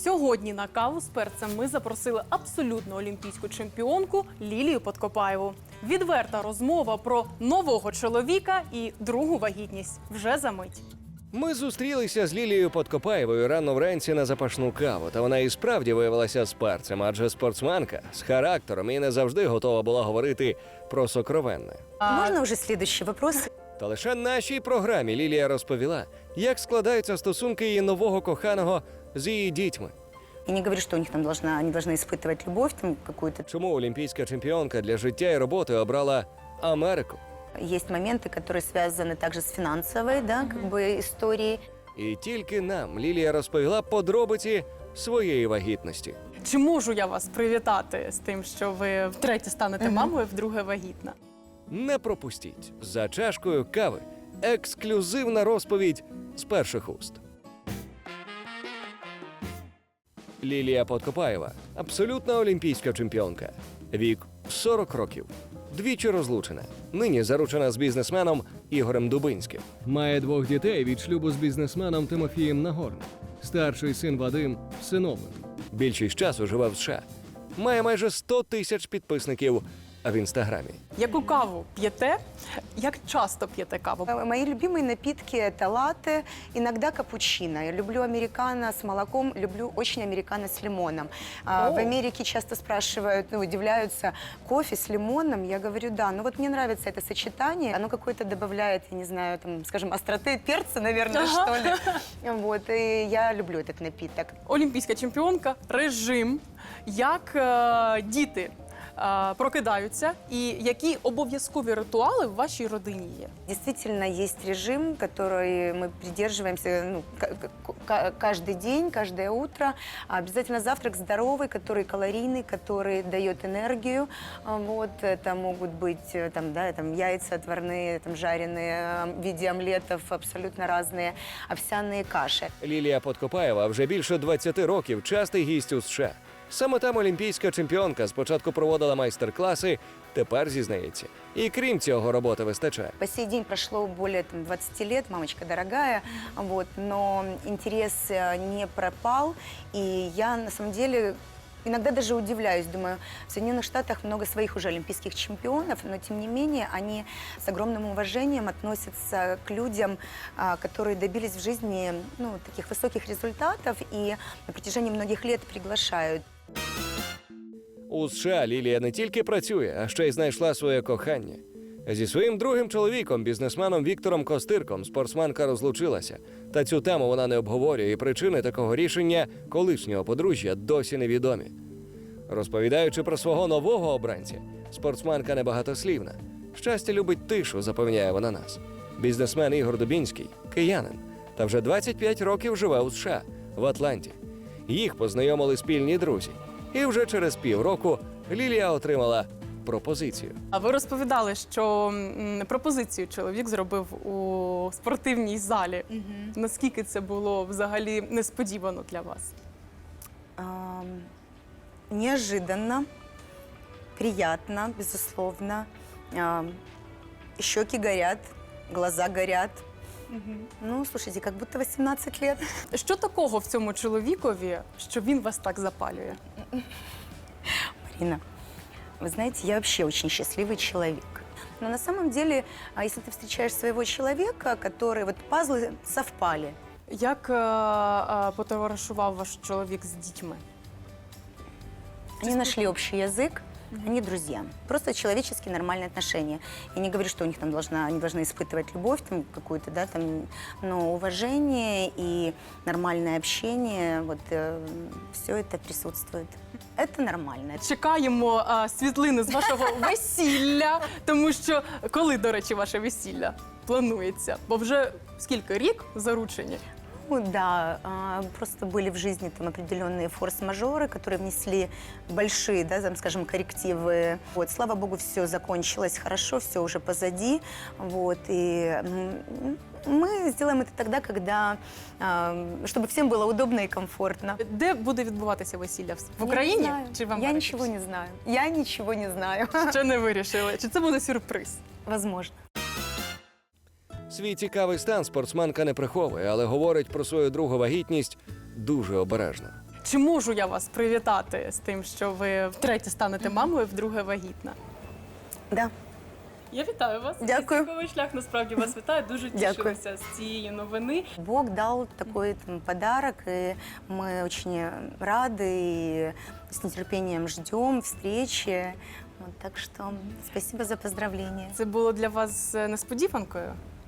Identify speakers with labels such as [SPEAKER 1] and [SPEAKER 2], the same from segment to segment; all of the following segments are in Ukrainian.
[SPEAKER 1] Сьогодні на каву з перцем ми запросили абсолютно олімпійську чемпіонку Лілію Подкопаєву. Відверта розмова про нового чоловіка і другу вагітність вже за мить.
[SPEAKER 2] Ми зустрілися з Лілією Подкопаєвою рано вранці на запашну каву, та вона і справді виявилася з перцем, адже спортсменка з характером і не завжди готова була говорити про сокровенне.
[SPEAKER 3] Можно уже следующий вопрос?
[SPEAKER 2] Та лише нашій програмі Лілія розповіла, як складаються стосунки її нового коханого з її дітьми.
[SPEAKER 3] Я не говорю, что у них там они должны испытывать любовь там какую-то.
[SPEAKER 2] Чому олімпійська чемпіонка для життя і роботи обрала Америку?
[SPEAKER 3] Есть моменты, которые связаны также с финансовой, да, как бы историей.
[SPEAKER 2] І тільки нам Лілія розповіла подробиці своєї вагітності.
[SPEAKER 1] Чи можу я вас привітати з тим, що ви втретє станете мамою, вдруге вагітна?
[SPEAKER 2] Не пропустіть. За чашкою кави ексклюзивна розповідь з перших уст. Лілія Подкопаєва – абсолютна олімпійська чемпіонка. Вік – 40 років. Двічі розлучена. Нині заручена з бізнесменом Ігорем Дубинським. Має двох дітей від шлюбу з бізнесменом Тимофієм Нагорним. Старший син Вадим – всиновлений. Більшість часу живе в США. Має майже 100 тисяч підписників в Інстаграмі.
[SPEAKER 1] Яку каву п'єте? Як часто п'єте каву?
[SPEAKER 3] Мои любимые напитки – это латте, иногда капучино. Я люблю американо с молоком, люблю очень американо с лимоном. В Америке часто спрашивают, удивляются, кофе с лимоном? Я говорю, да. Но вот мне нравится это сочетание. Оно какое-то добавляет, я не знаю, там, скажем, остроты перца, наверное, что ли. Вот, и я люблю этот напиток.
[SPEAKER 1] Олімпійська чемпіонка, режим, як діти прокидаються і які обов'язкові ритуали в вашій родині є?
[SPEAKER 3] Действительно, есть режим, который мы придерживаемся каждый день, каждое утро. Обязательно завтрак здоровый, который калорийный, который дает энергию. Вот, это могут быть там яйца отварные, там, жареные в виде омлетов, абсолютно разные, овсяные каши.
[SPEAKER 2] Лілія Подкопаєва вже більше 20 років частий гість у США. Саме там олімпійська чемпіонка спочатку проводила майстер-класи, тепер зізнається. І крім цього, роботи вистачає.
[SPEAKER 3] По сей день прошло более 20 лет, мамочка дорогая, вот, но интерес не пропал. И я, на самом деле, иногда даже удивляюсь, думаю, в Соединенных Штатах много своих уже олимпийских чемпионов, но тем не менее они с огромным уважением относятся к людям, которые добились в жизни таких высоких результатов и на протяжении многих лет приглашают.
[SPEAKER 2] У США Лілія не тільки працює, а ще й знайшла своє кохання. Зі своїм другим чоловіком, бізнесменом Віктором Костирком, спортсменка розлучилася. Та цю тему вона не обговорює, і причини такого рішення колишнього подружжя досі невідомі. Розповідаючи про свого нового обранця, спортсменка небагатослівна. Щастя любить тишу, запевняє вона нас. Бізнесмен Ігор Дубінський – киянин, та вже 25 років живе у США, в Атланті. Їх познайомили спільні друзі. І вже через півроку Лілія отримала пропозицію.
[SPEAKER 1] А ви розповідали, що пропозицію чоловік зробив у спортивній залі. Наскільки це було взагалі несподівано для вас?
[SPEAKER 3] Неожиданно, приятно, безусловно. Щеки горят, глаза горят. Ну, слушайте, как будто 18 лет.
[SPEAKER 1] Що такого в цьому чоловікові, що він вас так запалює?
[SPEAKER 3] Марина, вы знаете, я вообще очень счастливый человек. Но на самом деле, если ты встречаешь своего человека, который вот пазлы совпали.
[SPEAKER 1] Як потоваришував ваш чоловік з дітьми?
[SPEAKER 3] Они нашли общий язык. Они друзья. Просто человеческие нормальные отношения. Я не говорю, что у них там они должны испытывать любовь там какую-то, да, там, но уважение и нормальное общение, вот все это присутствует. Это нормально.
[SPEAKER 1] Чекаємо світлини з вашого весілля, тому що коли, до речі, ваше весілля планується? Бо вже скільки, рік заручені?
[SPEAKER 3] Ну, да, просто были в жизни там определенные форс-мажоры, которые внесли большие, да, там, скажем, коррективы. Вот, слава богу, все закончилось хорошо, все уже позади. Вот, и мы сделаем это тогда, когда, чтобы всем было удобно и комфортно.
[SPEAKER 1] Де буде відбуватися весілля? В Україні чи в Америці?
[SPEAKER 3] Я ничего не знаю. Я ничего не знаю.
[SPEAKER 1] Ще не вирішили. Чи це буде сюрприз?
[SPEAKER 3] Возможно.
[SPEAKER 2] Свій цікавий стан спортсменка не приховує, але говорить про свою другу вагітність дуже обережно.
[SPEAKER 1] Чи можу я вас привітати з тим, що ви втретє станете мамою, вдруге вагітна?
[SPEAKER 3] Да.
[SPEAKER 1] Я вітаю вас.
[SPEAKER 3] Дякую.
[SPEAKER 1] Військовий шлях насправді вас вітає. Дуже
[SPEAKER 3] Дякую.
[SPEAKER 1] тішилася з цієї новини.
[SPEAKER 3] Бог дал такой подарок, и мы очень рады и с нетерпением ждем встречи. Вот, так что спасибо за поздравления.
[SPEAKER 1] Це було для вас несподіванкою?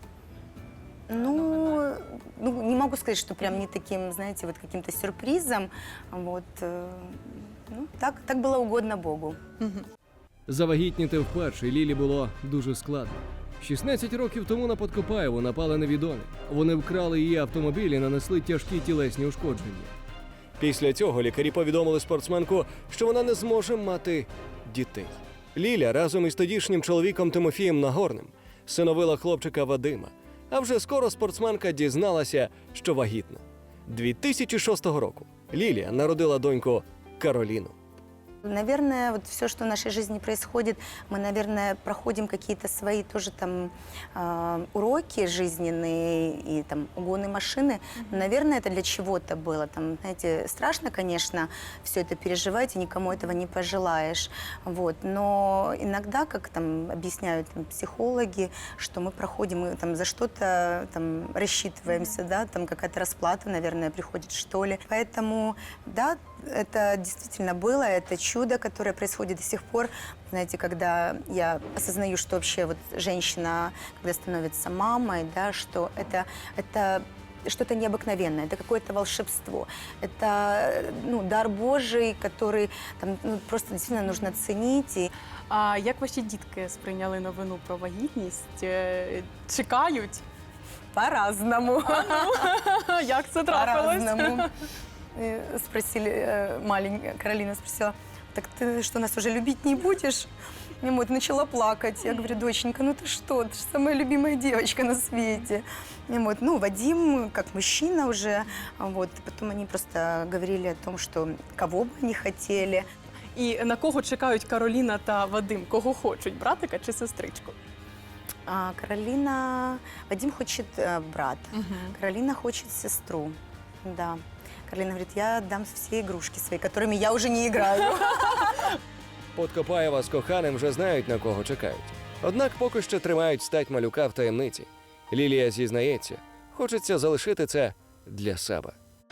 [SPEAKER 3] Ну, не могу сказать, что прям не таким, знаете, вот каким-то сюрпризом. Вот, ну, так было угодно Богу.
[SPEAKER 2] Завагітніти вперше Лілі було дуже складно. 16 років тому на Подкопаєву напали невідомі. Вони вкрали її автомобіль і нанесли тяжкі тілесні ушкодження. Після цього лікарі повідомили спортсменку, що вона не зможе мати дітей. Ліля разом із тодішнім чоловіком Тимофієм Нагорним синовила хлопчика Вадима. А вже скоро спортсменка дізналася, що вагітна. 2006 року Лілія народила доньку Кароліну.
[SPEAKER 3] Наверное, вот все, что в нашей жизни происходит, мы, наверное, проходим какие-то свои тоже там уроки жизненные и там угоны машины. Наверное, это для чего-то было. Там, знаете, страшно, конечно, все это переживать, и никому этого не пожелаешь. Вот. Но иногда, как там объясняют там, психологи, что мы проходим, мы там за что-то там рассчитываемся, да, там какая-то расплата, наверное, приходит, что ли. Поэтому, да, это действительно было, это чудо, которое происходит до сих пор. Знаете, когда я осознаю, что вообще вот женщина, когда становится мамой, да, что это что-то необыкновенное, это какое-то волшебство, это дар Божий, который там, просто действительно нужно ценить. И
[SPEAKER 1] А як ваші дітки сприйняли новину про вагітність? Чекають?
[SPEAKER 3] по-разному.
[SPEAKER 1] Як це трапилось?
[SPEAKER 3] По-разному. Спросили, маленькая Каролина спросила: так ты что, нас уже любить не будешь? И вот начала плакать. Я говорю: доченька, ну ты что, ты же самая любимая девочка на свете. И вот, Вадим, как мужчина уже, вот, потом они просто говорили о том, что кого бы они хотели.
[SPEAKER 1] І на кого чекають Кароліна та Вадим? Кого хочуть, братика чи сестричку?
[SPEAKER 3] Вадим хочет брата, Каролина хочет сестру, да. Каролина говорит: я дам все игрушки свои, которыми я уже не играю.
[SPEAKER 2] Подкопаєва з коханим вже знають, на кого чекають. Однак поки що тримають стать малюка в таємниці. Лілія зізнається, хочеться залишити це для себе.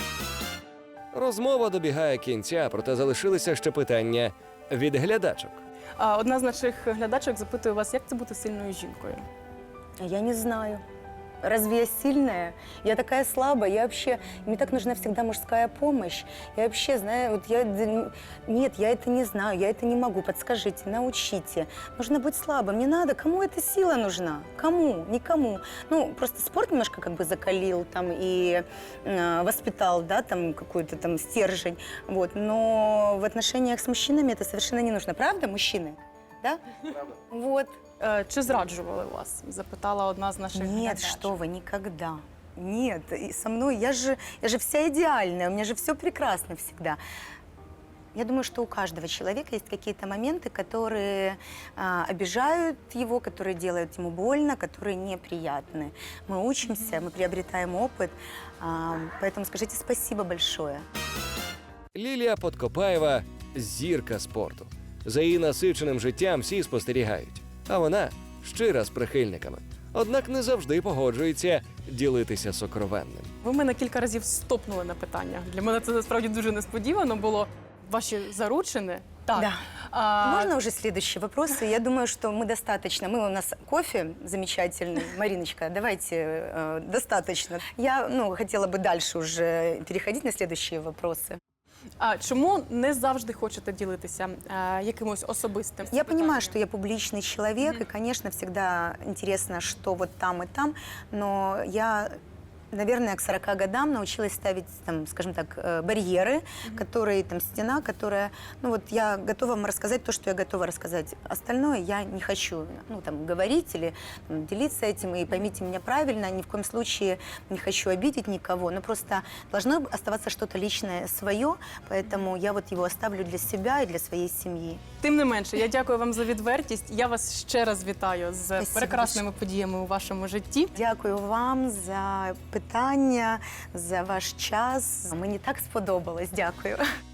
[SPEAKER 2] Розмова добігає кінця, проте залишилися ще питання від глядачок.
[SPEAKER 1] Одна з наших глядачок запитує вас, як це бути сильною жінкою?
[SPEAKER 3] Я не знаю. Разве я сильная? Я такая слабая. Я вообще... Мне так нужна всегда мужская помощь. Я вообще знаю... Вот нет, я это не знаю, я это не могу. Подскажите, научите. Нужно быть слабым. Не надо. Кому эта сила нужна? Кому? Никому. Просто спорт немножко как бы закалил там и воспитал, да, там какой-то там стержень. Вот. Но в отношениях с мужчинами это совершенно не нужно. Правда, мужчины? Да? Правда. Вот.
[SPEAKER 1] Чи зраджували вас? Запитала одна з наших
[SPEAKER 3] Нет,
[SPEAKER 1] глядачок.
[SPEAKER 3] что вы, никогда. Нет, и со мной, я же вся идеальная, у меня же все прекрасно всегда. Я думаю, что у каждого человека есть какие-то моменты, которые обижают его, которые делают ему больно, которые неприятны. Мы учимся, мы приобретаем опыт, поэтому скажите спасибо большое.
[SPEAKER 2] Лілія Подкопаєва – зірка спорту. За її насиченим життям всі спостерігають. А вона щира з прихильниками. Однак не завжди погоджується ділитися сокровенним.
[SPEAKER 1] Ви мене кілька разів стопнули на питання. Для мене це насправді дуже несподівано було. Ваші заручини? Так.
[SPEAKER 3] Да. Можно уже следующие вопросы? Я думаю, что мы достаточно. У нас кофе замечательный. Мариночка, давайте достаточно. Я хотела бы дальше уже переходить на следующие вопросы.
[SPEAKER 1] А чому не завжди хочете ділитися якимось особистим?
[SPEAKER 3] Я понимаю, что я публичный человек, и, конечно, всегда интересно, что вот там и там, но я, наверное, к 40 годам научилась ставить, там, скажем так, барьеры, которые, там, стена, которая, я готова вам рассказать то, что я готова рассказать. Остальное я не хочу, говорить или делиться этим, и поймите меня правильно, ни в коем случае не хочу обидеть никого, но просто должно оставаться что-то личное свое, поэтому я вот его оставлю для себя и для своей семьи.
[SPEAKER 1] Тим не менше, я дякую вам за відвертість. Я вас ще раз вітаю з
[SPEAKER 3] Спасибо
[SPEAKER 1] прекрасними подіями у вашому житті.
[SPEAKER 3] Дякую вам за питання. питання, за ваш час. Мені так сподобалось. Дякую.